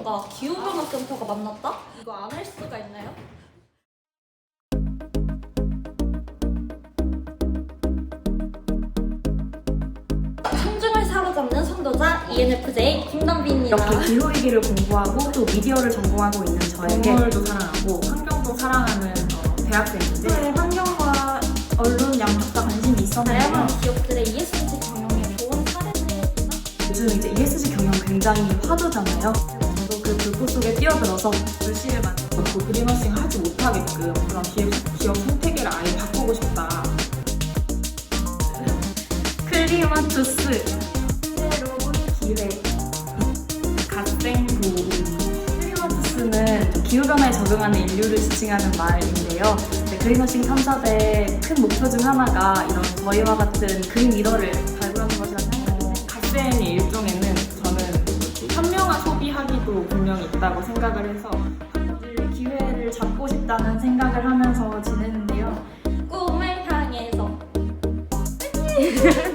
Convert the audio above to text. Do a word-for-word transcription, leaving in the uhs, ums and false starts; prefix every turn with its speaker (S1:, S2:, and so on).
S1: 센터가 기후변화 센터가 만났다? 이거 안 할 수가 있나요? 청중을 사로잡는 선도자 이엔에프제이 김담비입니다.
S2: 이렇게 기후위기를 공부하고 또 미디어를 전공하고 있는 저에게
S3: 동물도 사랑하고 환경도 사랑하는 어, 대학생인데
S2: 네, 환경과 언론 양쪽 다 관심이 있었는데요.
S1: 다양한 기업들의 이에스지 경영에 좋은 사례들이나
S2: 요즘 이제 이에스지 경영 굉장히 화두잖아요. 저도 그 불꽃 속에 뛰어들어서 글씨를 만들고
S3: 그 그린워싱 하지 못하게끔 그런 기업, 기업 생태계를 아예 바꾸고 싶다.
S2: 클리마투스 새로운 기회 갓생 보호. 클리마투스는 기후변화에 적응하는 인류를 지칭하는 말인데요. 네, 그린워싱 탐사대의 큰 목표 중 하나가 이런 저희와 같은 그린 리더를 발굴하는 것이라 생각합니다.
S3: 갓센이 일종에는 저는 현명한 소비하기도 분명히 있다고 생각을 해서
S2: 기회를 잡고 싶다는 생각을 하면서 지내는데요.
S1: 꿈을 향해서